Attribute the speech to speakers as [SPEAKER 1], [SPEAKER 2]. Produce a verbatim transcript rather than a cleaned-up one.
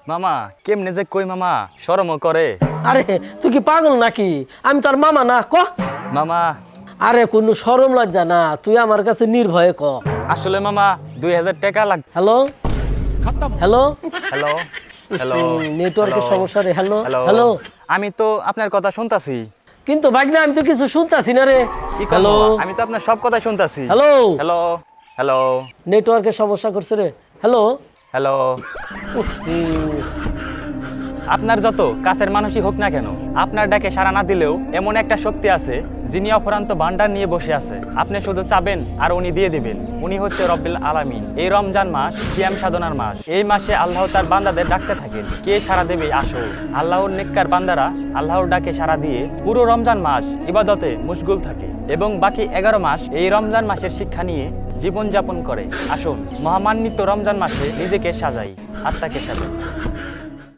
[SPEAKER 1] মামা কেমনে যে কই মামা শরমও করে।
[SPEAKER 2] আরে তুই কি পাগল নাকি? আমি তোর মামা না, ক।
[SPEAKER 1] মামা
[SPEAKER 2] আরে কোনো শরম লজ্জা না, তুই আমার কাছে নির্ভয়ে ক।
[SPEAKER 1] আসলে মামা দুই হাজার টাকা লাগ।
[SPEAKER 2] হ্যালো হ্যালো
[SPEAKER 1] হ্যালো হ্যালো
[SPEAKER 2] নেটওয়ার্কের
[SPEAKER 1] হ্যালো।
[SPEAKER 2] সমস্যা রে। Hello
[SPEAKER 1] hello
[SPEAKER 2] hello.
[SPEAKER 1] আমি তো আপনার কথা শুনতাছি।
[SPEAKER 2] কিন্তু ভাগনা আমি তো কিছু শুনতাছি না রে।
[SPEAKER 1] কি
[SPEAKER 2] হ্যালো
[SPEAKER 1] করবো আমি তো আপনার সব কথাই শুনতাছি।
[SPEAKER 2] হ্যালো
[SPEAKER 1] হ্যালো হ্যালো
[SPEAKER 2] নেটওয়ার্কের সমস্যা করছে রে। Hello
[SPEAKER 1] hello. আপনার যত কাছের মানুষই হোক না কেন, আপনার ডাকে সাড়া না দিলেও এমন একটা শক্তি আছে যিনি অপরান্ত ভান্ডার নিয়ে বসে আছে। আপনি শুধু চাবেন আর উনি দিয়ে দিবেন। উনি হচ্ছে রব্বিল আলামিন। এই রমজান মাস সিয়াম সাধনার মাস। এই মাসে আল্লাহ তার বান্দাদের ডাকতে থাকেন, কে সাড়া দেবে আসো। আল্লাহর নেককার বান্দারা আল্লাহর ডাকে সাড়া দিয়ে পুরো রমজান মাস ইবাদতে মশগুল থাকে এবং বাকি এগারো মাস এই রমজান মাসের শিক্ষা নিয়ে জীবনযাপন করে। আসুন মহামান্বিত রমজান মাসে নিজেকে সাজাই, আত্মাকে সাজাই।